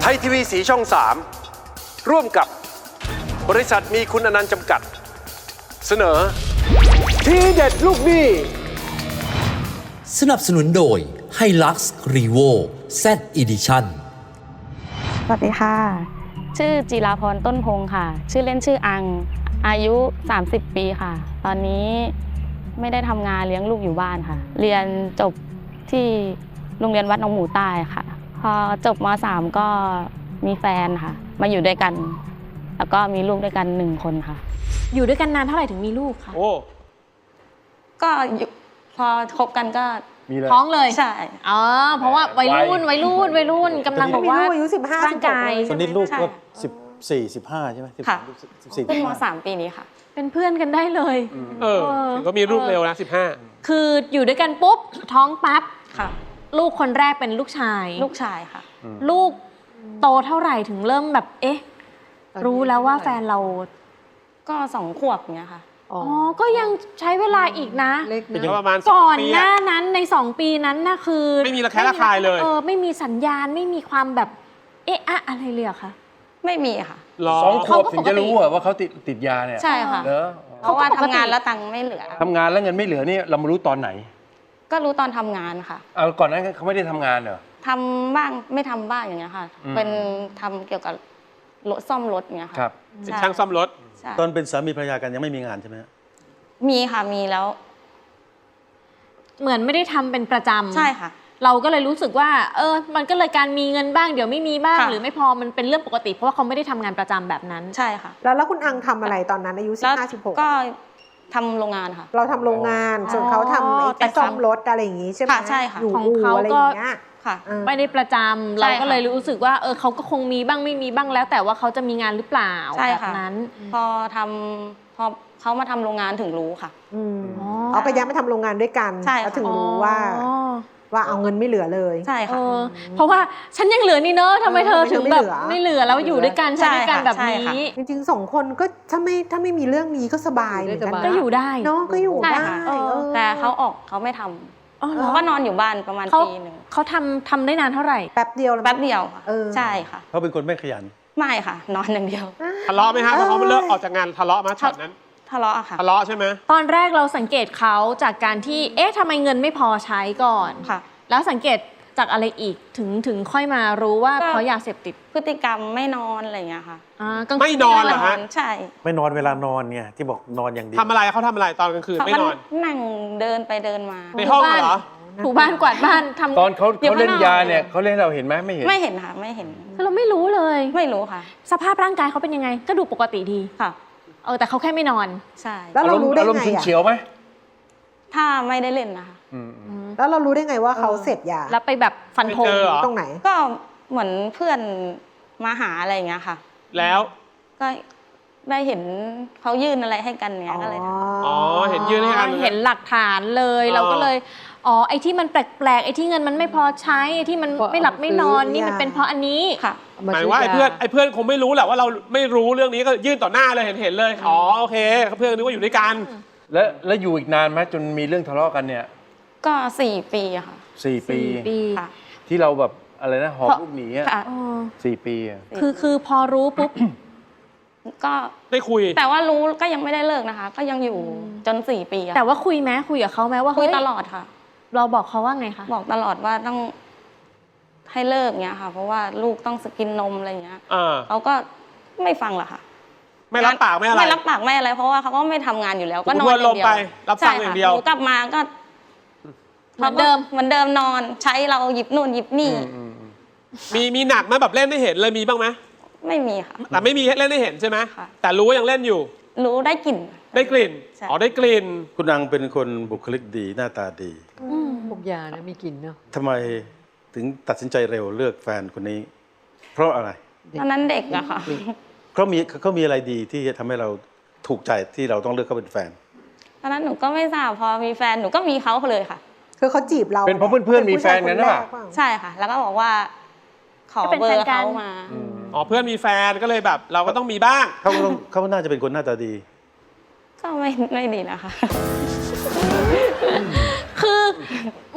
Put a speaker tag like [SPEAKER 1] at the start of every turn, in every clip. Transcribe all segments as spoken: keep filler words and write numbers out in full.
[SPEAKER 1] ทยทีวีสีช่อง สาม ร่วมกับบริษัทมีคุณอนันต์จำกัดเสนอทีเด็ดลูกหนี้
[SPEAKER 2] สนับสนุนโดย Hilux Revo Z Edition
[SPEAKER 3] สวัสดีค่ะชื่อจิราพรต้นพงค่ะชื่อเล่นชื่ออังอายุสามสิบปีค่ะตอนนี้ไม่ได้ทำงานเลี้ยงลูกอยู่บ้านค่ะเรียนจบที่โรงเรียนวัดหนองหมูใต้ค่ะพอจบม.สาม ก็มีแฟนค่ะมาอยู่ด้วยกันแล้วก็มีลูกด้วยกันหนึ่งคนค่ะ
[SPEAKER 4] อยู่ด้วยกันนานเท่าไหร่ถึงมีลูกคะ
[SPEAKER 1] โอ้
[SPEAKER 3] ก็พอคบกันก็
[SPEAKER 4] ท้องเลย
[SPEAKER 3] ใช่
[SPEAKER 4] อ๋อเพราะว่าวัยรุ่นวัยรุ่นวัยรุ่นกำลังบอกว่า
[SPEAKER 5] อายุสิบห้า
[SPEAKER 4] ร่างกาย
[SPEAKER 6] คนนี้ลูกก็สิบสี่สิบห้าใช่ไหม
[SPEAKER 3] ค่ะ
[SPEAKER 6] สิบ
[SPEAKER 3] ขึ้นม.สาม ปีนี้ค่ะ
[SPEAKER 4] เป็นเพื่อนกันได้เลย
[SPEAKER 1] เออถึงก็มีลูกเร็วนะสิบห้า
[SPEAKER 4] คืออยู่ด้วยกันปุ๊บท้องปั๊บ
[SPEAKER 3] ค่ะ
[SPEAKER 4] ลูกคนแรกเป็นลูกชาย
[SPEAKER 3] ลูกชายค่ะ
[SPEAKER 4] ลูกโตเท่าไหร่ถึงเริ่มแบบเอ๊ะรู้แล้วว่าแฟนเรา
[SPEAKER 3] ก็สองขวบเนี้ยค่ะ
[SPEAKER 4] อ๋อก็ยังใช้เวลาอีกนะ
[SPEAKER 1] เป็นประมาณ
[SPEAKER 4] ก่อนหน้านั้นในสองปีนั้นน่ะคือ
[SPEAKER 1] ไม่มีระแคะระคายเลย
[SPEAKER 4] เออไม่มีสัญญาณไม่มีความแบบเอ๊ะอะอะไรเลยอะคะ
[SPEAKER 3] ไม่มีค่ะ
[SPEAKER 6] สองขวบถึงจะรู้ว่าเขาติดติดยาเนี่ย
[SPEAKER 3] ใช่ค่ะเพราะว่าทำงานแล้วตังค์ไม่เหลือ
[SPEAKER 6] ทำงานแล้วเงินไม่เหลือนี่เรามารู้ตอนไหน
[SPEAKER 3] ก็รู้ตอนทำงานค่ะ
[SPEAKER 6] เอาก่อนนั้นเขาไม่ได้ทำงานเหรอ
[SPEAKER 3] ทำบ้างไม่ทำบ้างอย่างเงี้ยค่ะเป็นทำเกี่ยวกับรถซ่อมรถเงี้ยค่ะ
[SPEAKER 1] ครับเป็นช่างซ่อมรถ
[SPEAKER 6] ตอนเป็นสามีภรรยากันยังไม่มีงานใช่ไหม
[SPEAKER 3] มีค่ะมีแล้ว
[SPEAKER 4] เหมือนไม่ได้ทำเป็นประจำ
[SPEAKER 3] ใช่ค่ะ
[SPEAKER 4] เราก็เลยรู้สึกว่าเออมันก็เลยการมีเงินบ้างเดี๋ยวไม่มีบ้างหรือไม่พอมันเป็นเรื่องปกติเพราะว่าเขาไม่ได้ทำงานประจำแบบนั้น
[SPEAKER 3] ใช่ค่ะ
[SPEAKER 5] แล้วแล้วคุณอังทำอะไรตอนนั้นอายุสิบห้า สิบหก
[SPEAKER 3] ก็ทำโรงงานค่ะ
[SPEAKER 5] เราทำโรงงานส่วนเขาทำไอ้ซ่อมรถอะไรอย่างงี้ใช่ไหม
[SPEAKER 3] ใช่ค่ะ
[SPEAKER 4] ของเขาก็ไม่ได้ประจำเราก็เลยรู้สึกว่าเออเขาก็คงมีบ้างไม่มีบ้างแล้วแต่ว่าเขาจะมีงานหรือเปล่าแบบนั้น
[SPEAKER 3] พอทำพอเขามาทำโรงงานถึงรู้ค่ะ
[SPEAKER 5] เขาก็ย้ายมาทำโรงงานด้วยกันเขาถึงรู้ว่าว่าเอาเงินไม่เหลือเลย
[SPEAKER 3] ใช่ค่ะ
[SPEAKER 4] เพราะว่าฉันยังเหลือนี่เนอะทำไมเธอถึงแบบไม่เหลือแล้วอยู่ด้วยกันใช้ด้วยกันแบบนี้
[SPEAKER 5] จริงๆสองคนก็ถ้าไม่ถ้าไม่มีเรื่องนี้ก็สบายเหมือนกัน
[SPEAKER 4] ก็อยู่ได้
[SPEAKER 5] เนาะก็อยู่ได้
[SPEAKER 3] แต่เขาออกเขาไม่ทำเขาก็นอนอยู่บ้านประมาณปีหนึ่ง
[SPEAKER 4] เขาทำทำได้นานเท่าไหร่
[SPEAKER 5] แป๊บเดียว
[SPEAKER 3] แป๊บเดียวค่ะใช่ค่ะ
[SPEAKER 6] เขาเป็นคนไม่ขยัน
[SPEAKER 3] ไม่ค่ะนอนอย่างเดียว
[SPEAKER 1] ทะเลาะไหมฮะพอเขาเลิกออกจากงานทะเลาะมาช็อตนั้น
[SPEAKER 3] ทะเลาะค่ะ
[SPEAKER 1] ทะเลาะใช่ไหม
[SPEAKER 4] ตอนแรกเราสังเกตเขาจากการที่เอ๊ะทำไมเงินไม่พอใช้ก่อน
[SPEAKER 3] ค่ะ
[SPEAKER 4] แล้วสังเกตจากอะไรอีกถึงถึงค่อยมารู้ว่าเพราะยาเสพติด
[SPEAKER 3] พฤติกรรมไม่นอนอะไรอย่างเงี้ยค่ะ
[SPEAKER 1] ไม่นอนเหรอฮะ
[SPEAKER 3] ใช่
[SPEAKER 6] ไม่นอนเวลานอนไงที่บอกนอนอย่างเดียว
[SPEAKER 1] ทำอะไรเขาทำอะไรตอนกลางคืนไม่นอน
[SPEAKER 3] นั่งเดินไปเดินมา
[SPEAKER 1] ในห้องเหรอ
[SPEAKER 4] ถูบ้านกวาดบ้านทำ
[SPEAKER 6] ตอนเขาเขาเล่นยาเนี่ยเขาเล่นเราเห็นไหมไม่เห็น
[SPEAKER 3] ไม่เห็นค่ะไม่เห็น
[SPEAKER 4] คือเราไม่รู้เลย
[SPEAKER 3] ไม่รู้ค่ะ
[SPEAKER 4] สภาพร่างกายเขาเป็นยังไงก็ดูปกติดี
[SPEAKER 3] ค่ะ
[SPEAKER 4] เออแต่เขาแค่ไม่นอน
[SPEAKER 3] ใช่
[SPEAKER 5] แล้วเรารู้ได้ไง
[SPEAKER 6] อารมณ์ฉุนเฉียวไหม
[SPEAKER 3] ถ้าไม่ได้เล่นนะคะ
[SPEAKER 5] แล้วเรารู้ได้ไงว่าเขาเสพยา
[SPEAKER 4] แล้วไปแบบฟันธง
[SPEAKER 5] ตรงไหน
[SPEAKER 3] ก็เหมือนเพื่อนมาหาอะไรอย่างเงี้ยค่ะ
[SPEAKER 1] แล้ว
[SPEAKER 3] ก็ได้เห็นเขายื่นอะไรให้กันเนี้ยก็เลย
[SPEAKER 1] อ๋อเห็นยื่นให้กัน
[SPEAKER 4] เห็นหลักฐานเลยเราก็เลยอ๋อไอ้ที่มันแปลกๆไอ้ที่เงินมันไม่พอใช้ไอ้ที่มันไม่หลับไม่นอนนี่มันเป็นเพราะอันนี้
[SPEAKER 3] ค่ะ
[SPEAKER 1] หมายว่าไอ้เพื่อนไอ้เพื่อนคงไม่รู้แหละว่าเราไม่รู้เรื่องนี้ก็ยื่นต่อหน้าเลยเห็นเห็นเลยอ๋อโอเคเพื่อนนึกว่าอยู่ด้วยกัน
[SPEAKER 6] แล้วแล้วอยู่อีกนานไหมจนมีเรื่องทะเลาะกันเนี่ย
[SPEAKER 3] ก็สี่ปีค่ะ
[SPEAKER 6] สี่ปี
[SPEAKER 3] ค่ะ
[SPEAKER 6] ที่เราแบบอะไรนะหอบลูกหนีอ่ะสี่ปีอ่ะ
[SPEAKER 4] คือคือพอรู้ปุ๊บ
[SPEAKER 3] ก็
[SPEAKER 1] ได้คุย
[SPEAKER 3] แต่ว่ารู้ก็ยังไม่ได้เลิกนะคะก็ยังอยู่จนสี่ปี
[SPEAKER 4] แต่ว่าคุยไหมคุยกับเขาไหมว่า
[SPEAKER 3] คุยตลอดค่ะ
[SPEAKER 4] เราบอกเขาว่าไงคะ
[SPEAKER 3] บอกตลอดว่าต้องให้เลิกเงี้ยค่ะเพราะว่าลูกต้องสกินนมอะไรเงี้ยเขาก็ไม่ฟังหรอกค่ะ
[SPEAKER 1] ไม่รับปากไม่อะไร
[SPEAKER 3] ไม่รับปากไม่อะไรเพราะว่าเขาก็ไม่ทำงานอยู่แล้วก็นอนอย่างเดียว
[SPEAKER 1] รับฟังอย่างเดียว
[SPEAKER 3] กลับมาก็
[SPEAKER 4] เหมือนเดิม
[SPEAKER 3] เหมือนเดิมนอนใช้เราหยิบนู่นหยิบนี่
[SPEAKER 1] มีมีหนักไหมแบบเล่นได้เห็นเลยมีบ้างไหม
[SPEAKER 3] ไม่มีค่ะ
[SPEAKER 1] แต่ไม่มีเล่นได้เห็นใช่ไหมแต่รู้ว่ายังเล่นอยู่
[SPEAKER 3] รู้ได้กลิ่น
[SPEAKER 1] ได้กลิ่นอ๋อได้กลิ่น
[SPEAKER 6] คุณอังเป็นคนบุคลิกดีหน้าตาดี
[SPEAKER 5] พวกยานะมีกลิ่นเนาะ
[SPEAKER 6] ทำไมถึงตัดสินใจเร็วเลือกแฟนคนนี้เพราะอะไร
[SPEAKER 3] ตอนนั้นเด็กอะค่ะ
[SPEAKER 6] เขามีเขามีอะไรดีที่จะทำให้เราถูกใจที่เราต้องเลือกเขาเป็นแฟน
[SPEAKER 3] ตอนนั้นหนูก็ไม่ทราบพอมีแฟนหนูก็มีเขาเลยค่ะ
[SPEAKER 5] คือเขาจีบเรา
[SPEAKER 6] เป็นเพราะเพื่อนๆมีแฟนกันหรือเปล่า
[SPEAKER 3] ใช่ค่ะแล้วก็บอกว่าขอเบอร์เขามา
[SPEAKER 1] อ๋อเพื่อนมีแฟนก็เลยแบบเราก็ต้องมีบ้าง
[SPEAKER 6] เขาต้องเขาน่าจะเป็นคนหน้าตาดี
[SPEAKER 3] ก็ไม่ไม่ดีนะคะ
[SPEAKER 4] คือเหมือน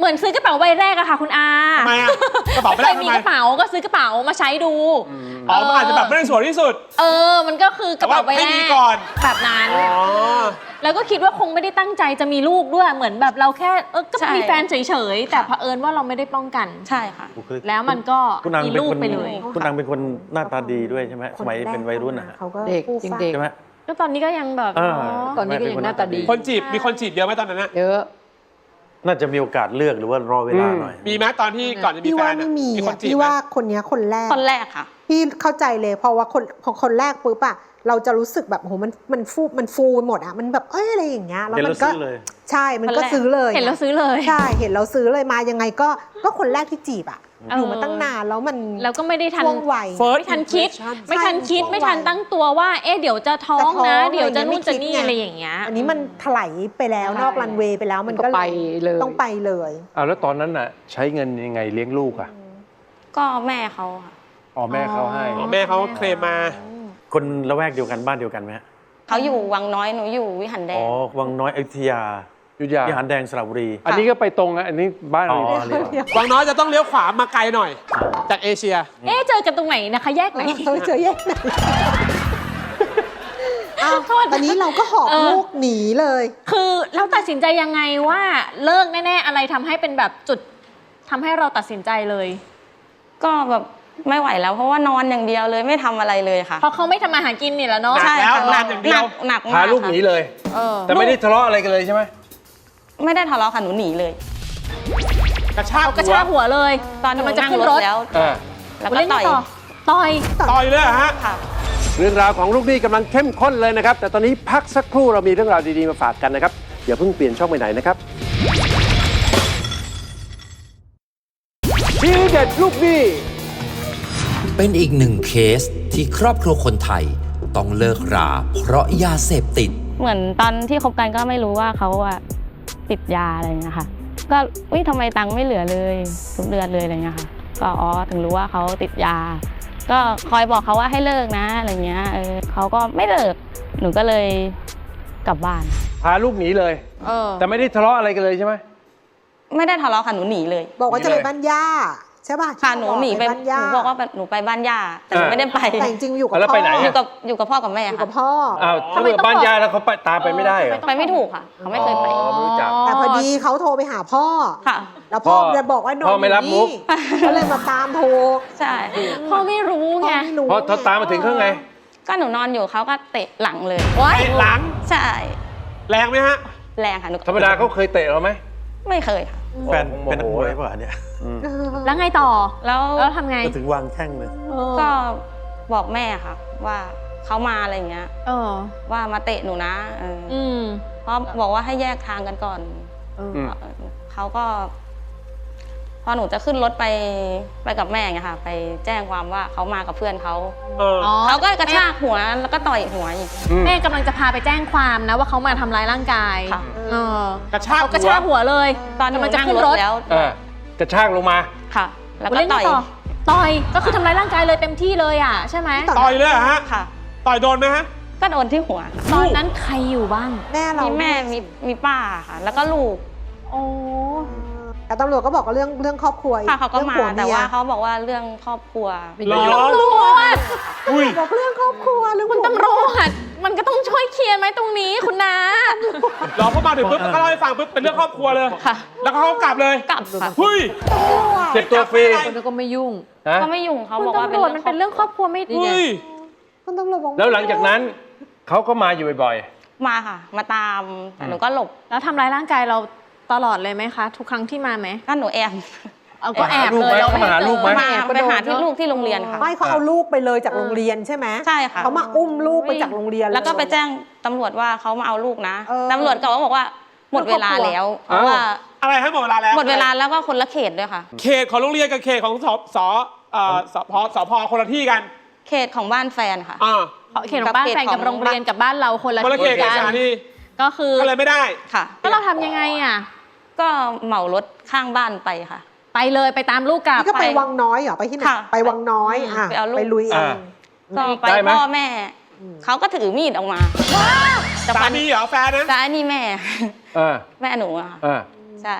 [SPEAKER 4] มือนซื้อกระเป๋าใบแรกอะค่ะคุณอา
[SPEAKER 7] ทำไมอะกระเป๋าใบแรก
[SPEAKER 4] เคยมี
[SPEAKER 7] ทำไม
[SPEAKER 4] กระเป๋าก็ซื้อกระเป๋ามาใช้ดู
[SPEAKER 7] อ๋อมันอาจจะแบบไม่ได้สวยที่สุด
[SPEAKER 4] เออ มันก็คือกระเป๋าใบ
[SPEAKER 7] แต่ว่าให้
[SPEAKER 4] แร
[SPEAKER 7] มี
[SPEAKER 4] ก
[SPEAKER 7] ก่อน
[SPEAKER 4] แบบนั้น
[SPEAKER 7] อ๋อ
[SPEAKER 4] แล้วก็คิดว่าคงไม่ได้ตั้งใจจะมีลูกด้วย เหมือนแบบเราแค่เออก็
[SPEAKER 3] ใช่
[SPEAKER 4] มีแฟนเฉยๆ แต่เผอิญว่าเราไม่ได้ป้องกัน
[SPEAKER 3] ใช่ค่ะ
[SPEAKER 6] บุคลิก
[SPEAKER 4] แล้วมันก็
[SPEAKER 6] คุณนาง
[SPEAKER 4] มี
[SPEAKER 6] เป็น
[SPEAKER 4] ลูก
[SPEAKER 6] คน
[SPEAKER 4] ไปเลย
[SPEAKER 6] คุณนางเป็นคนหน้าตาดีด้วยใช่ไหมสมัยเป็นวัยรุ่นนะฮะ
[SPEAKER 5] เขาก็
[SPEAKER 8] เด็ก
[SPEAKER 5] ฟู่
[SPEAKER 8] ยัง
[SPEAKER 5] ฟ้า
[SPEAKER 8] เด็ก
[SPEAKER 6] ใช่ไหม
[SPEAKER 4] ก็ตอนนี้ก็ยังแบบ
[SPEAKER 6] เออ
[SPEAKER 4] เนาะ
[SPEAKER 8] ตอนนี้ก็ยังหน้าตาดี
[SPEAKER 7] คนจีบมีคนจีบเยอะไหมตอนนั้นอะ
[SPEAKER 8] เยอะ
[SPEAKER 6] น่าจะมีโอกาสเลือกหรือว่ารอเวลาหน่อย
[SPEAKER 7] มีไหมตอนที่ก่อนจะมี
[SPEAKER 5] พี่
[SPEAKER 7] แฟ
[SPEAKER 5] ว่าน
[SPEAKER 7] อะ
[SPEAKER 5] ไม่มี
[SPEAKER 7] มีคน
[SPEAKER 5] อะ
[SPEAKER 7] จีบ
[SPEAKER 5] พี่
[SPEAKER 7] ไหม
[SPEAKER 5] ว่าคนเนี้ยคนแรก
[SPEAKER 3] คนแรกค่ะ
[SPEAKER 5] พี่เข้าใจเลยเพราะว่าคนพอคนแรกปุ๊บอะเราจะรู้สึกแบบโหมันมันฟูมันฟูไปหมดอะมันแบบเอ้ยอะไรอย่างเงี้ยแล้ว
[SPEAKER 6] เห็น
[SPEAKER 5] มั
[SPEAKER 6] แล้ว
[SPEAKER 5] นก็
[SPEAKER 6] ซื้อเลย
[SPEAKER 5] ใช่มันก็ซื้อเลย
[SPEAKER 4] เห็นแล้วซื้อเลย
[SPEAKER 5] ใช่เห็นเราซื้อเลยมายังไงก็ก็คนแรกที่จีบอะ
[SPEAKER 4] เออ
[SPEAKER 5] อ
[SPEAKER 4] อ
[SPEAKER 5] ยู่มาตั้งนานแล้วมัน
[SPEAKER 4] แล้วก็ไม่ได้ทัน
[SPEAKER 5] ช่วงวัย
[SPEAKER 7] First
[SPEAKER 4] ไม่ทันคิด
[SPEAKER 7] impression
[SPEAKER 4] ไม่ทันคิด
[SPEAKER 5] ใช่
[SPEAKER 4] ไม่ทันตั้งตัวว่า เอ๊ะเดี๋ยวจะท้อง
[SPEAKER 5] จะท้อง
[SPEAKER 4] นะ เดี๋ยวจะ
[SPEAKER 5] อะไรอย่างเงี้ย
[SPEAKER 4] นู่นจะนี่
[SPEAKER 5] ไม่คิดไง
[SPEAKER 4] อะไรอย่างเงี้ย
[SPEAKER 5] อันนี้มันถลายไปแล้ว
[SPEAKER 8] ใช่
[SPEAKER 5] นอกรันเวย์ไปแล้วมัน
[SPEAKER 8] มันก็
[SPEAKER 5] ก็
[SPEAKER 8] ไปเลย
[SPEAKER 5] ต้องไปเลย
[SPEAKER 1] เอาแล้วตอนนั้นน่ะใช้เงินยังไงเลี้ยงลูกอ่ะ
[SPEAKER 3] ก็แม่เขาค่ะ
[SPEAKER 1] อ๋อแม่เขาให้
[SPEAKER 7] อ๋อแม่เขาเคลมมา
[SPEAKER 6] คนละแวกเดียวกันบ้านเดียวกันไหมฮะ
[SPEAKER 3] เขาอยู่วังน้อยหนูอยู่วิหารแด
[SPEAKER 6] อ๋อง วังน้อยอยุธยา
[SPEAKER 1] ยุทธยา
[SPEAKER 6] วิหารแดงสระบุรี
[SPEAKER 1] อันนี้ก็ไปตรงอ่ะอันนี้บ้าน
[SPEAKER 6] อ๋อ
[SPEAKER 1] เรา
[SPEAKER 6] เรียก
[SPEAKER 7] วังน้อยจะต้องเลี้ยวขวามาไกลหน่อย จากเอเชีย
[SPEAKER 4] เอ๊ะเจอกันตรงไหนนะคะ แยกไหน
[SPEAKER 5] เราเจอแยกไหนอ้าว
[SPEAKER 4] โทษนะ
[SPEAKER 5] ตอนนี้เราก็หอบ
[SPEAKER 4] เออ
[SPEAKER 5] ลูกหนีเลย
[SPEAKER 4] คือเราตัดสินใจยังไงว่าเลิกแน่ๆอะไรทำให้เป็นแบบจุดทำให้เราตัดสินใจเลย
[SPEAKER 3] ก็แบบไม่ไหวแล้วเพราะว่านอนอย่างเดียวเลยไม่ทำอะไรเลยค่ะ
[SPEAKER 4] เพราะเขาไม่ทำมาหากินนี่แหละเนาะ
[SPEAKER 7] หนัก
[SPEAKER 3] ใช่
[SPEAKER 7] แล้ว
[SPEAKER 3] ค่ะ
[SPEAKER 7] นอนอย่างเดียว
[SPEAKER 3] หนักหนักมาก
[SPEAKER 1] พาลูกหนี
[SPEAKER 3] ค่ะ
[SPEAKER 1] เลย
[SPEAKER 4] เออ
[SPEAKER 1] แต่ไม่ได้ทะเลาะอะไรกันเลยใช่ไหม
[SPEAKER 3] ไม่ได้ทะเลาะค่ะหนูหนีเลย
[SPEAKER 7] กระชาก
[SPEAKER 4] กระชากหัวเลย
[SPEAKER 3] ตอนหนู
[SPEAKER 4] มันจะ
[SPEAKER 3] นั่ง
[SPEAKER 4] ขึ้น
[SPEAKER 3] ร
[SPEAKER 4] ร
[SPEAKER 3] ถ
[SPEAKER 4] ถ
[SPEAKER 3] แล้ว
[SPEAKER 1] อ่า
[SPEAKER 3] แล้วก็
[SPEAKER 4] เล่น
[SPEAKER 3] ต่อย
[SPEAKER 4] ต่อต่อย
[SPEAKER 7] ต่อยเลยเหรอฮะ
[SPEAKER 3] ค่ะ
[SPEAKER 1] เรื่องราวของลูกหนี้กำลังเข้มข้นเลยนะครับ แต่ตอนนี้พักสักครู่เรามีเรื่องราวดีๆมาฝากกันนะครับอย่าเพิ่งเปลี่ยนช่องไปไหนนะครับทีเด็ดลูกหนี้
[SPEAKER 2] เป็นอีกหนึ่งเคสที่ครอบครัวคนไทยต้องเลิกราเพราะยาเสพติด
[SPEAKER 3] เหมือนตอนที่คบกันก็ไม่รู้ว่าเขาอะติดยาอะไรอย่างเงี้ยค่ะ ก็อุ้ยทำไมตังค์ไม่เหลือเลยทุกเดือนเลยอะไรเงี้ยค่ะ ก็อ๋อถึงรู้ว่าเขาติดยา ก็คอยบอกเขาว่าให้เลิกนะอะไรเงี้ยเออเขาก็ไม่เลิกหนูก็เลยกลับบ้าน
[SPEAKER 1] พาลูกหนีเลย
[SPEAKER 4] เออ
[SPEAKER 1] แต่ไม่ได้ทะเลาะอะไรกันเลยใช่ไหม
[SPEAKER 3] ไม่ได้ทะเลาะค่ะหนูหนีเลย
[SPEAKER 5] บอกว่าจะไปบ้านย่าใช่ป่ะ
[SPEAKER 3] ค่ะหนูหนีไป
[SPEAKER 5] บ้านย่า
[SPEAKER 3] หนูบอกว่าหนูไปบ้านย่าแต่หนู
[SPEAKER 1] อ่า
[SPEAKER 3] ไม่ได้ไป
[SPEAKER 5] แต่จริงๆอยู่กับ
[SPEAKER 1] แล้ว
[SPEAKER 5] พ่อ
[SPEAKER 1] ไปไหน
[SPEAKER 3] อ
[SPEAKER 1] อะ
[SPEAKER 3] ยู่กับอยู่กับพ่อกับแม่
[SPEAKER 5] อยู่
[SPEAKER 3] ค่ะ
[SPEAKER 5] กับพ่อ
[SPEAKER 1] อ้าวถ้า
[SPEAKER 4] ทำไม
[SPEAKER 1] เกิด
[SPEAKER 4] ต้อง
[SPEAKER 1] บ้าน
[SPEAKER 4] บอก
[SPEAKER 1] ยายแล้วเขาไปตามไปไม่ได้เหรอ
[SPEAKER 3] ไปไม่ถูกค่ะเขาไม่เคยไป
[SPEAKER 1] อ๋อไม่รู้จัก
[SPEAKER 5] แต่พอดีเขาโทรไปหาพ่อ
[SPEAKER 3] ค่ะ
[SPEAKER 5] แล้วพ่อ
[SPEAKER 1] พ่อ
[SPEAKER 5] จะบอกว่านอน
[SPEAKER 1] พ่อไม่รับมุก
[SPEAKER 5] อยู่นี่ก็เลยมาตามโทร
[SPEAKER 3] ใช่
[SPEAKER 4] พ่อไม่รู้
[SPEAKER 5] พ่อ
[SPEAKER 4] ไง
[SPEAKER 5] ไม่รู้
[SPEAKER 1] เพราะเขาตามมาถึงข้างไง
[SPEAKER 3] ก็หนูนอนอยู่เขาก็เตะหลังเลย
[SPEAKER 7] เตะหลัง
[SPEAKER 3] ใช่
[SPEAKER 7] แรงไหมฮะ
[SPEAKER 3] แรงค่ะหนู
[SPEAKER 1] ธรรมดาเขาเคยเตะเราไหม
[SPEAKER 3] ไม่เคยค่ะ
[SPEAKER 6] แฟนเป็นนักมวยป่ะเนี่ย
[SPEAKER 4] แล้วไงต่อ
[SPEAKER 3] แล้ว
[SPEAKER 4] แล้วทำไง
[SPEAKER 6] ก็ถึงวางแข้งเลย
[SPEAKER 3] ก็บอกแม่ค่ะ ว่าเขามาอะไรอย่างเงี้ย
[SPEAKER 4] เออ
[SPEAKER 3] ว่ามาเตะหนูนะเอออ
[SPEAKER 4] อืม
[SPEAKER 3] เพราะบอกว่าให้แยกทางกันก่อน
[SPEAKER 1] อืม
[SPEAKER 3] เขาก็ พอหนูจะขึ้นรถไปไปกับแม่ไงค่ะ ไปแจ้งความว่าเขามากับเพื่อนเขา
[SPEAKER 7] เออ
[SPEAKER 4] อ๋อ
[SPEAKER 3] เขาก็กระชากหัวแล้วก็ต่อยหัวอีก
[SPEAKER 1] อืม
[SPEAKER 4] แม่กำลังจะพาไปแจ้งความนะว่าเขามาทำร้ายร่างกาย
[SPEAKER 3] ค่ะ
[SPEAKER 4] เออก
[SPEAKER 7] ระชาก
[SPEAKER 4] เขา
[SPEAKER 7] หัว
[SPEAKER 4] กระชากหัวเลย
[SPEAKER 3] ตอนหนู
[SPEAKER 4] กำลังจะ
[SPEAKER 3] นั่ง
[SPEAKER 4] ขึ้น
[SPEAKER 3] ร
[SPEAKER 4] ร
[SPEAKER 3] ถ
[SPEAKER 4] ถ
[SPEAKER 3] แล้ว
[SPEAKER 1] อ่ากระชากลงมา
[SPEAKER 3] ค่ะ แล้ว
[SPEAKER 4] แล้ว
[SPEAKER 3] ก็
[SPEAKER 4] เล่น
[SPEAKER 3] ต่อย
[SPEAKER 4] ต่อต่อยก็คือทำร้ายร่างกายเลยเต็มที่เลยอ่ะใช่ไหม
[SPEAKER 7] ต่อยเลยเหรอฮะ
[SPEAKER 3] ค่ะ
[SPEAKER 7] ต่อยโดนไหมฮะ
[SPEAKER 3] ก็โดนที่หัว
[SPEAKER 4] ตอนนั้นใครอยู่บ้าง
[SPEAKER 5] แม่เรา
[SPEAKER 3] มี
[SPEAKER 5] มี
[SPEAKER 3] แม่มีมีป้าค่ะ แล้วก็ลูก
[SPEAKER 4] โอ้
[SPEAKER 5] แต่ตำรวจก็บอกว่าเรื่องเรื่องครอบครัวอี
[SPEAKER 3] ค่ะเขาก็
[SPEAKER 5] รื่อง
[SPEAKER 3] มา
[SPEAKER 5] ผั
[SPEAKER 3] แต่
[SPEAKER 5] เย
[SPEAKER 3] ว่าเขาบอกว่าเรื่องครอบครัว
[SPEAKER 7] หรอ
[SPEAKER 4] ตำรวจ
[SPEAKER 7] อุ้ย
[SPEAKER 5] บอกเรื่องครอบครัวเรื่อง
[SPEAKER 4] คุณ
[SPEAKER 5] ผัว
[SPEAKER 4] ตำรวจมันก็ต้องช่วยเคลียร์ไหมตรงนี้คุณนา
[SPEAKER 7] รอเขามาถึงปุ๊บก็เล่าให้ฟังปุ๊บเป็นเรื่องครอบครัวเลย
[SPEAKER 3] ค่ะ
[SPEAKER 7] แล้วเขาก็กลับเลย
[SPEAKER 3] กลับค่ะ
[SPEAKER 7] เฮ้ย
[SPEAKER 1] เจ็บตัวฟรี
[SPEAKER 8] คนนั้นก็ไม่ยุ่ง
[SPEAKER 1] ฮะ
[SPEAKER 3] ก็ไม่ยุ่งเขา
[SPEAKER 4] คุณ
[SPEAKER 3] บอกว่า
[SPEAKER 4] ตำรวจมันเป็นเรื่องครอบครัวไม่
[SPEAKER 8] นี่
[SPEAKER 4] ดี
[SPEAKER 8] ไง
[SPEAKER 7] เฮ้ย
[SPEAKER 5] คุณตำรวจบอก
[SPEAKER 1] แล้วหลังจากนั้นเขาก็มาอยู่บ่อย
[SPEAKER 3] มาค่ะ มาตามแต่หนูก็หลบ
[SPEAKER 4] แล้วทำร้ายร่างกายเราตลอดเลยไหมคะ ทุกครั้งที่มาไหม
[SPEAKER 3] ก็หนูแอบ
[SPEAKER 4] เอาก็แอบ
[SPEAKER 1] ลูก
[SPEAKER 4] เล
[SPEAKER 1] ไหม
[SPEAKER 4] ยเรา
[SPEAKER 1] เขามาหาลูกไหม
[SPEAKER 3] มา
[SPEAKER 8] แอบก็
[SPEAKER 3] ไป
[SPEAKER 8] โดน
[SPEAKER 3] หาที่
[SPEAKER 8] เนอะ
[SPEAKER 3] ลูกที่โรงเรียนค่ะ
[SPEAKER 5] ไม่เขาเอาลูกไปเลยจากโรงเรียนใช่ไหม
[SPEAKER 3] ใช่ค่ะ
[SPEAKER 5] เขามาอุ้มลูกไปจากโรงเรียน
[SPEAKER 3] แล้วก็ไป
[SPEAKER 5] เย
[SPEAKER 3] แจ้งตำรวจว่าเขามาเอาลูกนะ
[SPEAKER 5] เออ
[SPEAKER 3] ตำรวจก็บอกว่าหมดเวลาแล้วเพ
[SPEAKER 1] อ้าว
[SPEAKER 3] ราะว่า
[SPEAKER 7] อะไรให้หมดเวลาแล้ว
[SPEAKER 3] หมดเวลาแล้วก็คนละเขตด้วยค่ะ
[SPEAKER 7] เขตของโรงเรียนกับเขตของสสเอ่อสพสพคนละที่กัน
[SPEAKER 3] เขตของบ้านแฟนค่ะ
[SPEAKER 7] อ่า
[SPEAKER 4] เขตของบ้านแฟนกับโรงเรียนกับบ้านเราคนละ
[SPEAKER 7] คนละเขตกับ
[SPEAKER 4] กั
[SPEAKER 7] สถานี
[SPEAKER 4] ก็คือ
[SPEAKER 7] ก็เลยไม่ได้
[SPEAKER 3] ค่ะ
[SPEAKER 4] แล้วเราทำยังไงอ่ะ
[SPEAKER 3] ก็เหมารถข้างบ้านไปค่ะ
[SPEAKER 4] ไปเลยไปตามลูกกลับ
[SPEAKER 5] นี่ก็ไปวังน้อยเหรอไปที่ไหน
[SPEAKER 3] ค่ะ
[SPEAKER 5] ไปวังน้อยอ่ะ
[SPEAKER 3] ไปเอาลูก
[SPEAKER 5] ไปลุยเอ
[SPEAKER 1] อ่า
[SPEAKER 5] ง
[SPEAKER 3] ก็ไป
[SPEAKER 1] ได้ไหม
[SPEAKER 3] พ่อแม่ เขาก็ถือมีดออกมาจะ
[SPEAKER 7] สา
[SPEAKER 3] ฟัน
[SPEAKER 7] มีเหรอแฟนนะ
[SPEAKER 3] ซ้ายนี่แม่
[SPEAKER 1] ๆอ่า
[SPEAKER 3] แม่หนูอะค่ะ
[SPEAKER 1] อ่า
[SPEAKER 3] ใช่ แ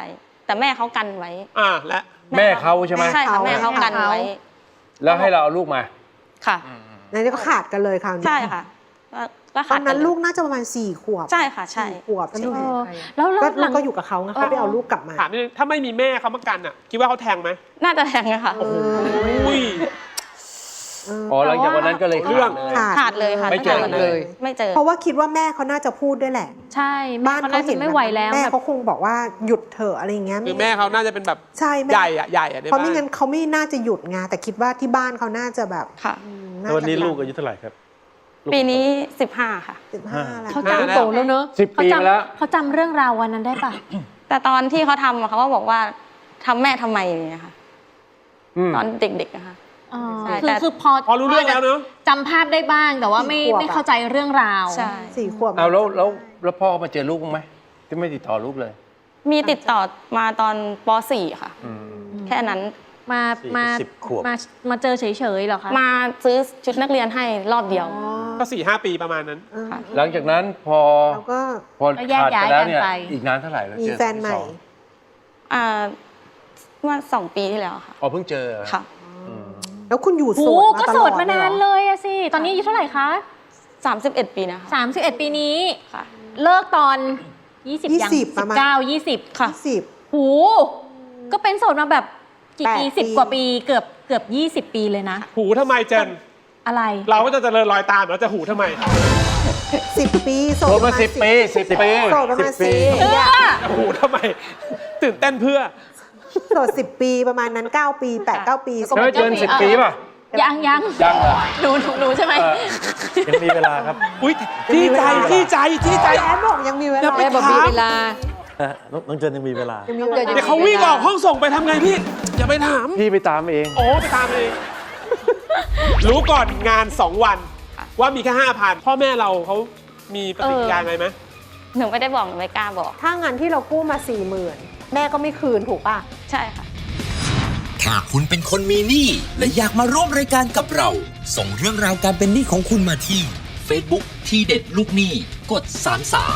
[SPEAKER 3] แต่แม่เขากันไว้
[SPEAKER 7] อ่าและ
[SPEAKER 8] แม่เขาใช่ไหม
[SPEAKER 3] ใช่ค่ะแม่เขากันไว้
[SPEAKER 8] แล้วให้เราเอาลูกมา
[SPEAKER 3] ค่ะ
[SPEAKER 5] ในนี้ก็ขาดกันเลยคราวนี้
[SPEAKER 3] ใช่ค่ะก็ก็
[SPEAKER 5] ต
[SPEAKER 3] ขา
[SPEAKER 5] อ
[SPEAKER 3] ด
[SPEAKER 5] น
[SPEAKER 3] กั
[SPEAKER 5] นั้น
[SPEAKER 3] เลย
[SPEAKER 5] ลูกน่าจะประมาณสี่ขวบ
[SPEAKER 3] ใช่ค่ะใช่
[SPEAKER 5] สี่ขวบใช่ไหม
[SPEAKER 4] เออแล้วแล้ว
[SPEAKER 5] ก็
[SPEAKER 4] ห
[SPEAKER 5] ลู
[SPEAKER 4] ลั
[SPEAKER 5] ก
[SPEAKER 4] ง
[SPEAKER 5] ก็อยู่กับเขาไงเขาไปเอาลูกกลับมา
[SPEAKER 7] ถามนิดนึงถ้าไม่มีแม่เขามากันอ่ะ คิดว่าเขาแทงไหม
[SPEAKER 3] น่าจะแทงอะค่ะ
[SPEAKER 7] อุ้ย
[SPEAKER 8] อ๋อหลังจากวันนั้นก็เลย
[SPEAKER 7] เรื่อง
[SPEAKER 8] ขาดเลย
[SPEAKER 3] ขาดเลยค่ะ
[SPEAKER 8] ไม่เจอ
[SPEAKER 3] ตั้งแต่วันนั้น
[SPEAKER 8] เลย
[SPEAKER 3] ไม่เจอ
[SPEAKER 5] เพราะว่าคิดว่าแม่เขาน่าจะพูดด้วยแหละ
[SPEAKER 4] ใช่แม่
[SPEAKER 5] บ้าน
[SPEAKER 4] เขา
[SPEAKER 5] เขา
[SPEAKER 4] น่า
[SPEAKER 5] เห็
[SPEAKER 4] จะ
[SPEAKER 5] น
[SPEAKER 4] ไม่ไหวแล้ว
[SPEAKER 5] แม่
[SPEAKER 4] แบบ
[SPEAKER 5] เขาคงบอกว่าหยุดเถอะอะไรอย่างเงี้ย
[SPEAKER 7] คือแม่เขาน่าจะเป็นแบบ
[SPEAKER 5] ใช่แม่
[SPEAKER 7] ใหญ่อะใหญ่อะใน
[SPEAKER 5] เพราะ
[SPEAKER 7] บ้า
[SPEAKER 5] ไม่
[SPEAKER 7] น
[SPEAKER 5] งั้นเขาไม่น่าจะหยุดไงแต่คิดว่าที่บ้านเขาน่าจะแบบ
[SPEAKER 3] ค่ะ
[SPEAKER 5] อืม
[SPEAKER 6] แล้ววันนี้
[SPEAKER 5] จะ
[SPEAKER 6] ลูกอายุเท่าไหร่ครับลูก
[SPEAKER 3] ปีนี้สิบห้าค่ะ
[SPEAKER 5] สิบห้าแล้ว
[SPEAKER 4] เขา
[SPEAKER 7] ห้า
[SPEAKER 4] จำโตแล้วเนอะ
[SPEAKER 8] สิบปีมาแล้ว
[SPEAKER 4] เขาจำเรื่องราววันนั้นได้ปะ
[SPEAKER 3] แต่ตอนที่เขาทำอะเขาก็บอกว่าทำแม่ทำไมเนี่ยค่ะ
[SPEAKER 8] อืม
[SPEAKER 3] ตอนเด็กๆนะคะ
[SPEAKER 4] อ๋อ
[SPEAKER 3] ใช่
[SPEAKER 4] คือ
[SPEAKER 3] แต่
[SPEAKER 4] คือพอ
[SPEAKER 7] พอรู้เรื่องแล้วเนอะ
[SPEAKER 4] จำภาพได้บ้างแต่ว่าไม่ไม่เข้าใจเรื่องราว
[SPEAKER 3] ใช่
[SPEAKER 5] สี่ขวบ
[SPEAKER 8] เอาแล้วแล้วแล้วพ่อมาเจอลูกบ้างไหมที่ไม่ติดต่อลูกเลย
[SPEAKER 3] มีติดต่อมาตอนป .สี่ ค่ะ แค่นั้น
[SPEAKER 4] มา
[SPEAKER 6] สี่
[SPEAKER 4] มา
[SPEAKER 6] สิบขวบ
[SPEAKER 4] มามาเจอเฉยๆเหรอคะ
[SPEAKER 3] มาซื้อชุดนักเรียนให้รอบเดียว
[SPEAKER 7] ก็สี่ห้าปีประมาณนั้น
[SPEAKER 5] เออ
[SPEAKER 8] หลังจากนั้นพอ
[SPEAKER 5] แล้วก็
[SPEAKER 8] พอ
[SPEAKER 4] ก็แยก
[SPEAKER 8] ขาด
[SPEAKER 4] ย้า
[SPEAKER 8] ไป
[SPEAKER 4] ย
[SPEAKER 8] แล้ว
[SPEAKER 4] กัน
[SPEAKER 8] เนี่ย
[SPEAKER 4] ไป
[SPEAKER 8] อีกนานเท่าไหร่แล้ว
[SPEAKER 5] มี
[SPEAKER 8] เจอ
[SPEAKER 5] แฟนใหม่
[SPEAKER 8] ที่สอง
[SPEAKER 3] อ่าเมื่อสองปีที่แล้วค่ะ
[SPEAKER 8] อ๋อเพิ่งเจอ
[SPEAKER 3] ค่ะ
[SPEAKER 8] อืม
[SPEAKER 5] แล้วคุณอยู่
[SPEAKER 4] โอ้
[SPEAKER 5] โส
[SPEAKER 4] โห
[SPEAKER 5] ด
[SPEAKER 4] ก็
[SPEAKER 5] มาต
[SPEAKER 4] โส
[SPEAKER 5] ลอ
[SPEAKER 4] ด
[SPEAKER 5] ด
[SPEAKER 4] มานานเลยอะสิ ตอนนี้อายุเท่าไหร่คะ
[SPEAKER 3] สามสิบเอ็ดปีนะคะ
[SPEAKER 4] สามสิบเอ็ดปีนี้
[SPEAKER 3] ค่ะ
[SPEAKER 4] เลิกตอนยี่สิบยัง
[SPEAKER 5] ยี่สิบประมาณ
[SPEAKER 4] เก้ายี่สิบ
[SPEAKER 3] ค่ะ
[SPEAKER 5] สิบ
[SPEAKER 4] หูก็เป็นโสดมาแบบกี่
[SPEAKER 5] แปด
[SPEAKER 4] ปี
[SPEAKER 5] ปี
[SPEAKER 4] สิบกว่าปีเกือบเกือบยี่สิบปีเลยนะ
[SPEAKER 7] หูทำไมเจน
[SPEAKER 4] อะไร
[SPEAKER 7] เราก็จะเจริญรอยตามแล้วจะหูทำไม
[SPEAKER 5] สิบปีโส
[SPEAKER 8] โท
[SPEAKER 5] ด
[SPEAKER 8] รมาสิบปีสิบปี
[SPEAKER 5] โสดประมาณ
[SPEAKER 8] สิบปี
[SPEAKER 5] สิบปีอะ
[SPEAKER 7] จะหูทำไม ตื่นเต้นเพื่อ
[SPEAKER 5] โสดสิบปีประมาณนั้นเก้าปีแปดเก้าปี
[SPEAKER 8] เธอเกินสิบปีป่ะ
[SPEAKER 4] ยังยัง
[SPEAKER 8] ยังเหรอ
[SPEAKER 4] หนูหนูหนูใช่ไหม
[SPEAKER 8] เออ
[SPEAKER 6] ยังมีเวลาครับ
[SPEAKER 7] อุ้ยที่ใจที่ใจที่ใจ
[SPEAKER 5] แอนบอกยังมีเว
[SPEAKER 7] อย่า
[SPEAKER 5] ลา
[SPEAKER 7] ไปถาม
[SPEAKER 6] เออน้องน้องเจนยังมีเวลา
[SPEAKER 5] ยังมีเวลา
[SPEAKER 7] เดี๋ยวเขาวิ่งออกห้องส่งไปทำไงพี่ อย่าไปถาม
[SPEAKER 8] พี่ไปตามเอง
[SPEAKER 7] โอ้ไปตามเอง รู้ก่อนงานสองวัน ว่ามีแค่ห้าพันพ่อแม่เราเขามีปฏิกิริยาไงไหม
[SPEAKER 3] หนูไม่ได้บอกหนูไม่กล้าบอก
[SPEAKER 5] ถ้างานที่เรากู้มาสี่หมื่นแม่ก็ไม่คืนถูกป่ะ
[SPEAKER 3] ใช่ค่ะ
[SPEAKER 2] ถ้าคุณเป็นคนมีหนี้และอยากมาร่วมรายการกับเรา ส่งเรื่องราวการเป็นหนี้ของคุณมาที่ Facebook ทีเด็ดลูกหนี้กดสามสาม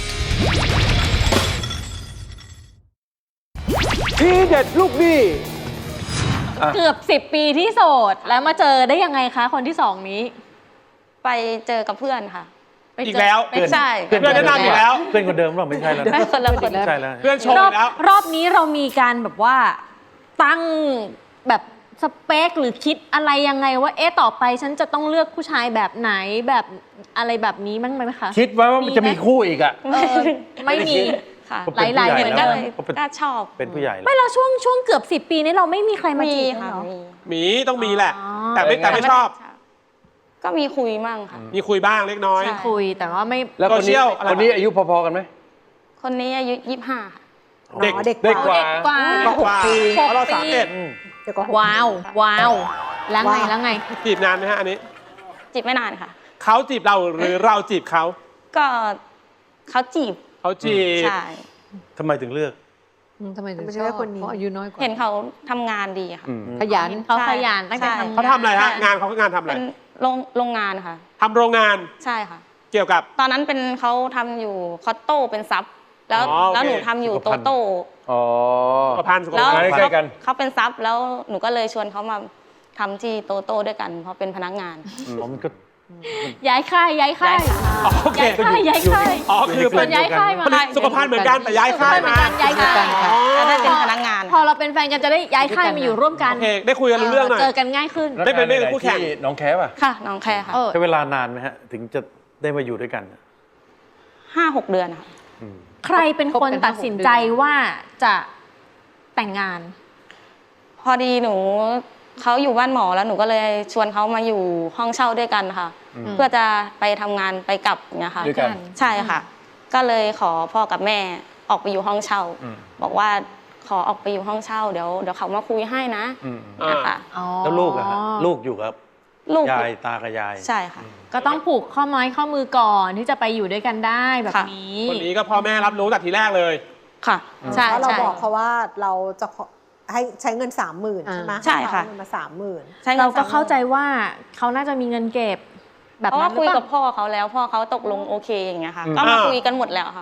[SPEAKER 1] ทีเด็ดลูกหนี้
[SPEAKER 4] เกือบสิบปีที่โสดแล้วมาเจอได้ยังไงคะ คนที่สองนี้
[SPEAKER 3] ไปเจอกับเพื่อนค่ะ
[SPEAKER 4] ไปเจ
[SPEAKER 7] อีกแล้ว
[SPEAKER 4] ไปเจอ
[SPEAKER 3] ใช่
[SPEAKER 7] เพื่อนแนะนำอีกแล้ว
[SPEAKER 6] เพื่อนคนเดิมหรือเปล่าไม่ใช่แล้ว
[SPEAKER 3] ไม่คนละคน
[SPEAKER 6] ไม่ใช่แล้ว
[SPEAKER 7] เพื่อนชม
[SPEAKER 4] รอ
[SPEAKER 7] อี
[SPEAKER 4] บ
[SPEAKER 7] กแล้ว
[SPEAKER 4] รอบนี้เรามีการแบบว่าตั้งแบบสเปคหรือคิดอะไรยังไงว่าเอ๊ะต่อไปฉันจะต้องเลือกผู้ชายแบบไหนแบบอะไรแบบนี้มั้งไหมคะ
[SPEAKER 8] คิดไว้ว่ามันจะมีคู่อีกอ่ะ
[SPEAKER 4] เออไม่มี
[SPEAKER 3] ค่ะ
[SPEAKER 6] เขาเป็น
[SPEAKER 4] หลายๆ
[SPEAKER 6] ผู้
[SPEAKER 4] เหมือน
[SPEAKER 6] ให
[SPEAKER 4] กั
[SPEAKER 6] ญ่
[SPEAKER 4] น
[SPEAKER 6] แล้ว
[SPEAKER 3] เลย
[SPEAKER 6] เขาเป็น
[SPEAKER 3] กล้าชอบ
[SPEAKER 6] เป็นผู้ใหญ่แล้ว
[SPEAKER 4] ไม่แล้วช่วงช่วงเกือบสิบปีนี้เราไม่มีใครมา
[SPEAKER 3] มี
[SPEAKER 4] จีบเลย
[SPEAKER 3] ค่ะ
[SPEAKER 4] เหรอ
[SPEAKER 3] มี
[SPEAKER 7] หมีต้องมีแหละ
[SPEAKER 4] อ๋อ
[SPEAKER 7] แต่ไม่แต่ไม่ชอบ
[SPEAKER 3] ก็มีคุยมั่งค่ะ
[SPEAKER 7] มีคุยบ้างเล็กน้อย
[SPEAKER 3] ใช่
[SPEAKER 4] คุยแต่ว่าไม่
[SPEAKER 8] แล้วคนนี้
[SPEAKER 7] โซเชียลอะไร
[SPEAKER 8] คนนี้อายุพอๆกันไหม
[SPEAKER 3] คนนี้อายุยี่สิบห้าค่ะ
[SPEAKER 7] เด็ก
[SPEAKER 5] อ๋อเด็ก
[SPEAKER 8] เด็กกว่า
[SPEAKER 4] เด็กกว่า
[SPEAKER 7] เด็กกว่า
[SPEAKER 5] หกปี
[SPEAKER 7] เพราะเราสามเอ็ด
[SPEAKER 5] เดี๋ยวก็หก
[SPEAKER 4] ว้าวว้าวแล้วไง
[SPEAKER 5] ว้าว
[SPEAKER 4] แล้วไง
[SPEAKER 7] จีบนานไหมฮะอันนี้
[SPEAKER 3] จีบไม่นานค่ะ
[SPEAKER 7] เขาจีบเราหรือเราจีบเขา
[SPEAKER 3] ก็เขาจีบ
[SPEAKER 7] เขาจีบ
[SPEAKER 3] ใช่
[SPEAKER 6] ทำไมถึงเลือก
[SPEAKER 9] ทำไมถึง
[SPEAKER 5] ไม่
[SPEAKER 9] ช
[SPEAKER 5] ใช่
[SPEAKER 9] อบ
[SPEAKER 5] ว่าคนนี้
[SPEAKER 9] เพราะอายุน้อยกว่า
[SPEAKER 3] เห็นเขาทำงานดีค่ะ
[SPEAKER 8] อืม
[SPEAKER 9] ขยัน
[SPEAKER 4] เขาขยันตั้งแต่
[SPEAKER 3] ใช่
[SPEAKER 4] ทำงาน
[SPEAKER 7] เขาทำอะไรฮะงานเขาก็งานทำอะไร
[SPEAKER 3] เป็นโรงโรงงานค่ะ
[SPEAKER 7] ทำโรงงาน
[SPEAKER 3] ใช่ค่ะ
[SPEAKER 7] เกี่ยวกับ
[SPEAKER 3] ตอนนั้นเป็นเขาทำอยู่คอตโต้เป็นซับแล้ว
[SPEAKER 7] อ๋อโอเค
[SPEAKER 3] แล้วหนูทำอยู่โตโต้
[SPEAKER 8] อ๋อ
[SPEAKER 7] สุขภัณฑ์สุข
[SPEAKER 3] แล้ว
[SPEAKER 7] ภัณฑ์
[SPEAKER 8] ใกล้ๆกัน
[SPEAKER 3] เขาเป็นซับแล้วหนูก็เลยชวนเขามาทำที่โตโต้ด้วยกัน เพราะเป็นพนักงาน
[SPEAKER 6] อ๋อมันก็
[SPEAKER 4] ย้ายค่ายย้ายค่าย
[SPEAKER 7] อ๋อโอเค
[SPEAKER 4] ย้ายค่ายย้ายค่าย
[SPEAKER 7] อ๋อคือ
[SPEAKER 4] ส่วนย้ายค่ายมา
[SPEAKER 7] ผลิตสุขภัณฑ์เหมือนกันแต่ย้ายค่ายมา
[SPEAKER 4] ย้ายค่าย
[SPEAKER 7] อ๋อ
[SPEAKER 3] แล้วได้เป็นพนักงาน
[SPEAKER 4] พอเราเป็นแฟนกันจะได้ย้ายค่ายมาอยู่ร่วมกัน
[SPEAKER 7] โอเคได้คุยกันรู้เรื่องหน่อย
[SPEAKER 4] เจอกันง่ายขึ้น
[SPEAKER 7] ไม่เป็นไม่เป็นคู่แข่ง
[SPEAKER 8] ที่น้องแคป่ะ
[SPEAKER 3] ค่ะ น้องแคร์ค่ะ
[SPEAKER 4] เออ
[SPEAKER 6] ใช้เวลานานไหมฮะ ถึงจะได้มาอยู่ด้วยกัน
[SPEAKER 3] ห้าหกเดือนค่ะ
[SPEAKER 4] ใครเป็นคนตัดสินใจว่าจะแต่งงาน
[SPEAKER 3] พอดีหนูเขาอยู่บ้านหมอแล้วหนูก็เลยชวนเขามาอยู่ห้องเช่าด้วยกันค่ะ เพื่อจะไปทำงานไปกลับอย่างเงี้ยค่ะ
[SPEAKER 8] ด้วยกัน
[SPEAKER 3] ใช่ค่ะ ก็เลยขอพ่อกับแม่ออกไปอยู่ห้องเช่า
[SPEAKER 8] อืม
[SPEAKER 3] บอกว่าขอออกไปอยู่ห้องเช่าเดี๋ยวเดี๋ยวเขามาคุยให้นะ
[SPEAKER 8] อืม
[SPEAKER 3] นะคะ
[SPEAKER 6] แล้วลูกอะฮะลูกอยู่กับ
[SPEAKER 3] ลูก
[SPEAKER 6] ยายตากับยาย
[SPEAKER 3] ใช่ค่ะ
[SPEAKER 4] ก็ต้องผูกข้อไม้ข้อมือก่อนที่จะไปอยู่ด้วยกันได้แบบ
[SPEAKER 3] ค่ะ
[SPEAKER 4] นี้
[SPEAKER 7] คนนี้ก็พ่อแม่รับรู้แต่ทีแรกเลย
[SPEAKER 3] ค่ะ ใช่
[SPEAKER 5] แล้วเรา
[SPEAKER 3] ใช่
[SPEAKER 5] บอกเขาว่าเราจะขอให้ใช้เงินสามหมื่น
[SPEAKER 9] อ่า
[SPEAKER 5] ใช่ไหม
[SPEAKER 3] ใช่ค่ะ
[SPEAKER 5] ให้เขาเอาเงินมาสามหมื่น
[SPEAKER 3] ใช้งิน
[SPEAKER 4] เราก็
[SPEAKER 3] สมหมื่น
[SPEAKER 4] เข้าใจว่าเขาน่าจะมีเงินเก็บแบบ
[SPEAKER 3] เพราะ
[SPEAKER 4] นั้
[SPEAKER 3] ว่าน
[SPEAKER 4] หรื
[SPEAKER 3] คุย
[SPEAKER 4] อเป
[SPEAKER 3] กับ
[SPEAKER 4] ล่า
[SPEAKER 3] พ่อเขาแล้วพ่อเขาตกลงโอเคอย่างเงี้ยค่ะ
[SPEAKER 8] อืม
[SPEAKER 3] ก็มา
[SPEAKER 7] อ่า
[SPEAKER 3] คุยกันหมดแล้วค่ะ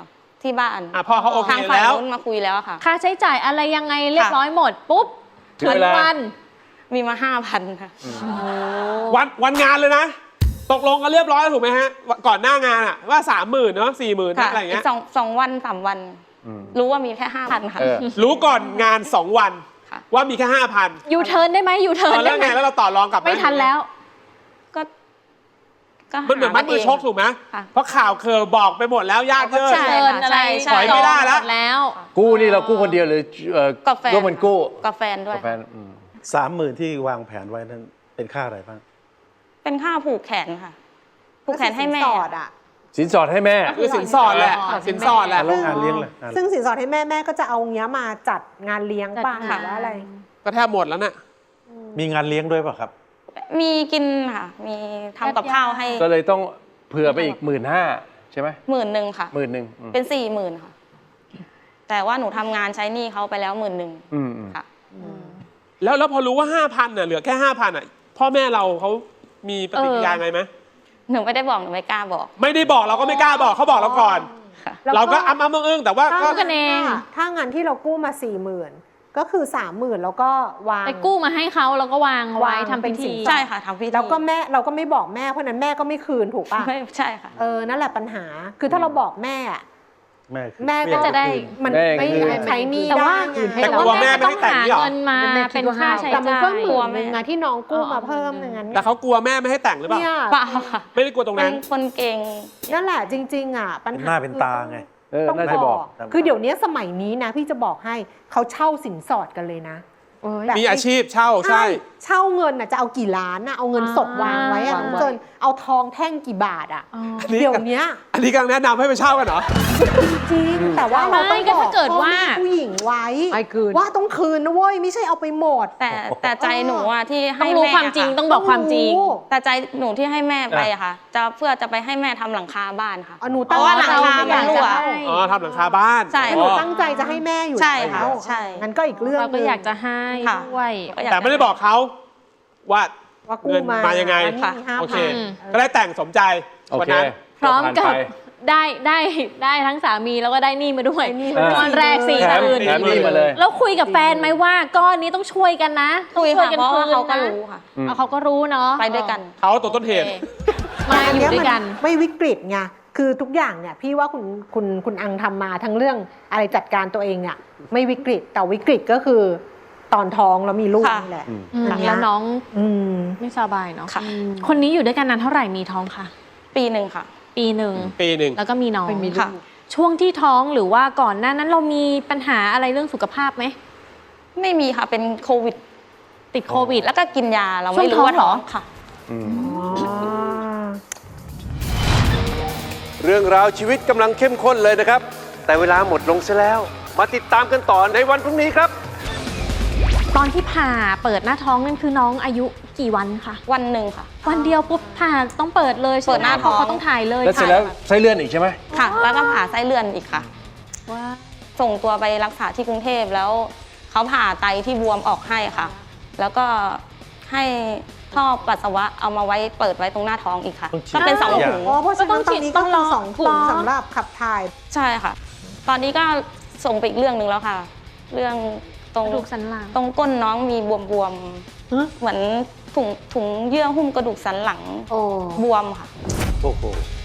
[SPEAKER 3] ที่บ้าน
[SPEAKER 7] อ่ะพ่อเขาโอเค
[SPEAKER 3] ทางฝ่าย
[SPEAKER 7] แล้ว
[SPEAKER 3] นู้นมาคุยแล้วอะค่ะ
[SPEAKER 4] ค่าใช้จ่ายอะไรยังไงเรียบร้อยหมดปุ๊บ
[SPEAKER 8] ถึง
[SPEAKER 4] ถึง
[SPEAKER 8] เวลา
[SPEAKER 4] วัน
[SPEAKER 3] มีมาห้าพันค่ะ
[SPEAKER 7] วันวันงานเลยนะ ตกลงกันเรียบร้อยแล้วถูกไหมฮะ ก่อนหน้างานอะว่าสามหมื่นเนาะสี่หมื่น
[SPEAKER 3] ค่ะ
[SPEAKER 7] อะไรอย่าง
[SPEAKER 3] อี
[SPEAKER 7] เงี้
[SPEAKER 3] ก
[SPEAKER 7] ย
[SPEAKER 3] สองสองวันสามวัน
[SPEAKER 8] อืม
[SPEAKER 3] รู้ว่ามีแค่ห้าพันค่ะ
[SPEAKER 8] เออ
[SPEAKER 7] รู้ก่อนงานสองวัน
[SPEAKER 3] ค่ะ
[SPEAKER 7] ว่ามีแค่ห้าพัน
[SPEAKER 4] ยูเทิร์นได้ไหมยูเทิร์น
[SPEAKER 7] แล้
[SPEAKER 4] ได้
[SPEAKER 7] ว
[SPEAKER 4] ไหม
[SPEAKER 7] ไงแล้วเราต่อรองกลับห
[SPEAKER 4] ไม่ทันแล้ว
[SPEAKER 3] ก็ก็
[SPEAKER 7] มันเหมือนมัดมือชกถูกไหม
[SPEAKER 3] ค่ะ
[SPEAKER 7] เพราะข่าวเคอบอกไปหมดแล้วญาติเยิน
[SPEAKER 3] ใช่
[SPEAKER 4] เทิร์นอะไร
[SPEAKER 3] ใช่
[SPEAKER 7] ถอยไม่ได้แล้ว
[SPEAKER 4] จองหมแล้ว
[SPEAKER 8] กู้นี่เรากู้คนเดียวหรือเอ่อ
[SPEAKER 3] กับแฟน
[SPEAKER 8] ร่วมกันกู้
[SPEAKER 3] กับแฟนด้วย
[SPEAKER 8] กับแฟนอืม
[SPEAKER 6] สามหมื่นที่วางแผนไว้นั้นเป็นค่าอะไรบ้าง
[SPEAKER 3] เป็นค่าผูกแขนค่ะ ผูกแขนให้แม่
[SPEAKER 5] สินสอดอ่ะ
[SPEAKER 8] สินสอดให้แม่
[SPEAKER 7] คือสินสอดแหละ
[SPEAKER 4] สิ
[SPEAKER 7] สิ
[SPEAKER 4] น
[SPEAKER 7] น
[SPEAKER 4] ส
[SPEAKER 7] ส
[SPEAKER 4] อ
[SPEAKER 7] อ
[SPEAKER 4] ด
[SPEAKER 7] ดแหละ
[SPEAKER 6] แล้วงานเลี้ยงล่ะงาน
[SPEAKER 5] ซึ่งสินสอดให้แม่แม่ก็จะเอาเงี้ยมาจัดงานเลี้ยงป่ะ
[SPEAKER 4] จัด
[SPEAKER 5] หรือว่าอะไร
[SPEAKER 7] ก็แทบหมดแล้วน่ะ
[SPEAKER 6] มีงานเลี้ยงด้วยเปล่ะครับ
[SPEAKER 3] มีกินค่ะ มีทำกับข้าวให้
[SPEAKER 8] ก็เลยต้องเผื่อไปอีกหมื่นห้าใช่ไหม
[SPEAKER 3] หมื่นหนึ่งค่ะ
[SPEAKER 8] หมื่นหนึ่งอืม
[SPEAKER 3] เป็นสี่หมื่นค่ะ แต่ว่าหนูทำงานใช้หนี้เขาไปแล้วหมื่นหนึ่ง
[SPEAKER 8] อืมอืม
[SPEAKER 3] ค่ะ
[SPEAKER 7] แล้วแล้วพอรู้ว่าห้าพันน่ะเหลือแค่ห้าพันอ่ะพ่อแม่เราเขามีปฏิกิริยาไงไหม
[SPEAKER 3] หนูไม่ได้บอกหนูไม่กล้าบอก
[SPEAKER 7] ไม่ได้บอกเราก็ไม่กล้าบอกเขาบอกเราก่อน
[SPEAKER 3] ค่ะ
[SPEAKER 7] เราก็อ้ำอ้ำอึ้งๆแต่ว่าก็
[SPEAKER 4] กันเอง
[SPEAKER 5] ถ้าถ้างานที่เรากู้มาสี่หมื่นก็คือสามหมื่นแล้วก็วาง
[SPEAKER 4] ไปกู้มาให้เขาแล้วก็วางไว้
[SPEAKER 5] วาง
[SPEAKER 4] ทำ
[SPEAKER 5] เป็
[SPEAKER 4] พิ
[SPEAKER 5] นสิ
[SPEAKER 4] ธี
[SPEAKER 5] นสอด
[SPEAKER 3] ใช่ค่ะทำพิธี
[SPEAKER 5] แล้วก็แม่เราก็ไม่บอกแม่เพราะฉะนั้นแม่ก็ไม่คืนถูกป่ะ
[SPEAKER 3] ไม่ใช่ค่ะ
[SPEAKER 5] เออนั่นแหละปัญหาคือถ้าเราบอกแม่อะ
[SPEAKER 6] แม่คือ
[SPEAKER 5] แม่ก็จะได้มัน
[SPEAKER 8] แม่
[SPEAKER 5] ไม่
[SPEAKER 8] คือ
[SPEAKER 5] ใช้หนี้
[SPEAKER 4] แต่
[SPEAKER 5] ได้
[SPEAKER 4] ว่า
[SPEAKER 5] ไง
[SPEAKER 7] แต่กลัวแม่ไม่ได้แต่งนี่หรอ
[SPEAKER 4] เงินมาเป็นค่าใช้
[SPEAKER 5] แต่มัน
[SPEAKER 4] จ่าย
[SPEAKER 5] ก็หมื่นหนึงอะที่น้องกู้มาเพิ่มอย่างนั้น
[SPEAKER 7] แต่เขากลัวแม่ไม่ให้แต่งหรือเปล่า
[SPEAKER 5] เนี่ย
[SPEAKER 3] เปล่าค่ะ
[SPEAKER 7] ไม่ได้กลัวตรง
[SPEAKER 3] เป็
[SPEAKER 7] นั้น
[SPEAKER 3] นคนเก่ง
[SPEAKER 5] นั่นแหละจริง ๆ อ่ะ ปัญ
[SPEAKER 6] เป็น
[SPEAKER 5] หา
[SPEAKER 6] หน้าเป็นตาไง
[SPEAKER 8] เออ
[SPEAKER 5] ต้อง
[SPEAKER 8] น่าจะ
[SPEAKER 5] บบ อ
[SPEAKER 8] อก ก
[SPEAKER 5] คือเดี๋ยวนี้สมัยนี้นะ พี่จะบอกให้เขาเช่าสินสอดกันเลยนะแบบ
[SPEAKER 7] มีอาชีพเช่าใช่
[SPEAKER 5] เช่าเงินอ่ะจะเอากี่ล้านอ่ะเอาเงินสดวางไว้อะ
[SPEAKER 4] วางไว้
[SPEAKER 5] จนเอาทองแท่งกี่บาทอ่ะ
[SPEAKER 7] อันนี้
[SPEAKER 5] เดี๋ยวเนี้ย
[SPEAKER 7] อันนี้กำลังแนะนำให้ไปเช่ากันเหรอ
[SPEAKER 5] จริงแต่ว่าเราต้อง
[SPEAKER 4] ไม่ก็
[SPEAKER 5] บอ
[SPEAKER 4] ถ้าก เกิดว่า
[SPEAKER 5] พ่อแม่ผู้หญิงไว้
[SPEAKER 4] ไม่คืน
[SPEAKER 5] ว่าต้องคืนนะเว้ยไม่ใช่เอาไปหมด
[SPEAKER 3] แต่แต่ใจหนูอะที่
[SPEAKER 4] ต้อ
[SPEAKER 3] ให้
[SPEAKER 4] งรู้
[SPEAKER 3] แม่
[SPEAKER 4] ความจริง
[SPEAKER 3] ะ
[SPEAKER 4] ต้องบอกความจริง
[SPEAKER 3] แต่ใจหนูที่ให้แม่ไปอะค่ะ จะเพื่อจะไปให้แม่ทำหลังคาบ้านค่ะ
[SPEAKER 5] เอาหนู
[SPEAKER 3] เพ
[SPEAKER 5] ตั้ง
[SPEAKER 3] ราะว่าหลัง
[SPEAKER 5] ใจ
[SPEAKER 3] คา
[SPEAKER 5] จะ
[SPEAKER 3] มันรั่ว
[SPEAKER 5] ให้
[SPEAKER 7] อ๋อทำหลังคาบ้าน
[SPEAKER 3] ใช่
[SPEAKER 5] หนูตั้งใจจะให้แม่อยู่
[SPEAKER 3] ใช่ค่ะ
[SPEAKER 5] แล้ว
[SPEAKER 3] ใช่
[SPEAKER 5] งั้นก็อีกเรื่อง
[SPEAKER 4] เราก็
[SPEAKER 5] หนึ่ง
[SPEAKER 4] อยากจะให้
[SPEAKER 3] ค่ะ
[SPEAKER 4] ด้วย
[SPEAKER 3] ก็อยาก
[SPEAKER 7] แต่ไม่ได้บอกเขาว่า
[SPEAKER 5] ว่ากู้
[SPEAKER 7] เงิน
[SPEAKER 5] มา
[SPEAKER 7] มายังไง
[SPEAKER 5] อันนี้มีห้า
[SPEAKER 7] โอเค
[SPEAKER 5] พัน
[SPEAKER 7] ก็ได้แต่งสมใจ
[SPEAKER 8] โอ
[SPEAKER 7] วัน
[SPEAKER 8] เค
[SPEAKER 7] นั้น
[SPEAKER 4] พร้อมกับ
[SPEAKER 8] ผ่านไป
[SPEAKER 4] ได้ได้ได้ทั้งสามีแล้วก็ได้หนี่มาด้วย
[SPEAKER 5] ได้หนี้
[SPEAKER 8] มาด้วย
[SPEAKER 4] วันแรกสี่
[SPEAKER 8] แถม
[SPEAKER 4] หมื่น
[SPEAKER 8] แถมนี่มาเลย
[SPEAKER 4] แล้วคุยกับแฟนไหมว่าก้อนนี้ต้องช่วยกันนะ
[SPEAKER 3] คุย
[SPEAKER 4] ต้องช่วย
[SPEAKER 3] ค่ะ
[SPEAKER 4] กัน
[SPEAKER 3] เพราะว่า
[SPEAKER 4] คืน
[SPEAKER 3] เขาก็
[SPEAKER 4] นะ
[SPEAKER 3] รู้ค่ะ
[SPEAKER 8] อืม
[SPEAKER 4] เอาเขาก็รู้เนาะ
[SPEAKER 3] ไปด้วยกัน
[SPEAKER 7] เขาตัวต้นเหตุ
[SPEAKER 4] มาอยู่ด้วยกัน
[SPEAKER 5] มัไม่วิกฤตไงคือทุกอย่างเนี่ยพี่ว่าคุณคุณคุณอังทำมาทั้งเรื่องอะไรจัดการตัวเองเนี่ยไม่วิกฤตแต่วิกฤตก็คือตอนท้องแล้วมีลูก
[SPEAKER 3] ค่ะ
[SPEAKER 5] นี่แหละ
[SPEAKER 8] อืม
[SPEAKER 4] อืม
[SPEAKER 5] อันเนี้ย
[SPEAKER 4] แล้วน้อง
[SPEAKER 5] อืม
[SPEAKER 4] ไม่สบายเนาะ
[SPEAKER 3] ค่ะ
[SPEAKER 4] คนนี้อยู่ด้วยกันนานเท่าไหร่มีท้องค่ะ
[SPEAKER 3] ปีหนึ่งค่ะ
[SPEAKER 4] ปีหนึ่ง
[SPEAKER 7] ปีหนึ่ง
[SPEAKER 4] แล้วก็มีน้อง
[SPEAKER 3] ค่ะ
[SPEAKER 4] ช่วงที่ท้องหรือว่าก่อนหน้านั้นเรามีปัญหาอะไรเรื่องสุขภาพไหม
[SPEAKER 3] ไม่มีค่ะ เป็นโควิด
[SPEAKER 4] ติดโควิด
[SPEAKER 3] แล้วก็กินยาเรา
[SPEAKER 4] ช่ว
[SPEAKER 3] ไม่
[SPEAKER 4] ง
[SPEAKER 3] รู้ว่า
[SPEAKER 4] ท้
[SPEAKER 3] ท้
[SPEAKER 4] อ
[SPEAKER 3] อง ง
[SPEAKER 4] เหรอ
[SPEAKER 3] ค่ะ
[SPEAKER 8] อืม
[SPEAKER 1] เรื่องราวชีวิตกำลังเข้มข้นเลยนะครับ แต่เวลาหมดลงซะแล้ว มาติดตามกันต่อในวันพรุ่งนี้ครับ
[SPEAKER 4] ตอนที่ผ่าเปิดหน้าท้องนั่นคือน้องอายุกี่วันคะ
[SPEAKER 3] วันหนึ่งค่ะ
[SPEAKER 4] วันเดียวปุ๊บผ่าต้องเปิดเลยใช่ไม
[SPEAKER 3] เปิดหน้าท้อง
[SPEAKER 4] เพระเขาต้องถ่ายเลย
[SPEAKER 8] แล้วเสร็จแล้วไส้เลื่อนอีกใช่ไหม
[SPEAKER 3] ค่ะ แล้วก็ผ่าไส้เลื่อนอีกค่ะ
[SPEAKER 4] ว่า
[SPEAKER 3] ส่งตัวไปรักษาที่กรุงเทพแล้วเขาผ่าไตที่บวมออกให้ค่ะ แล้วก็ให้ท่อปัสสาวะเอามาไว้เปิดไว้ตรงหน้าท้องอีกค่ะ
[SPEAKER 6] ต้องฉีด
[SPEAKER 3] ก็เป็นสอง
[SPEAKER 6] ยา
[SPEAKER 3] ถุง
[SPEAKER 5] อ๋อเพราะฉะนั้นตอนนี้ก็คือสองถุงสำหรับขับถ่าย
[SPEAKER 3] ใช่ค่ะ ตอนนี้ก็ส่งไปอีกเรื่องหนึ่งแล้วค่ะ เรื่องตรง
[SPEAKER 4] กระดูกสันหลัง
[SPEAKER 3] ตรงก้นน้องมีบวม
[SPEAKER 5] ฮะ
[SPEAKER 3] ๆเหมือนถุงถุงเยื่อหุ้มกระดูกสันหลัง
[SPEAKER 5] โอ้
[SPEAKER 3] บวมค่ะ
[SPEAKER 6] โอ้โห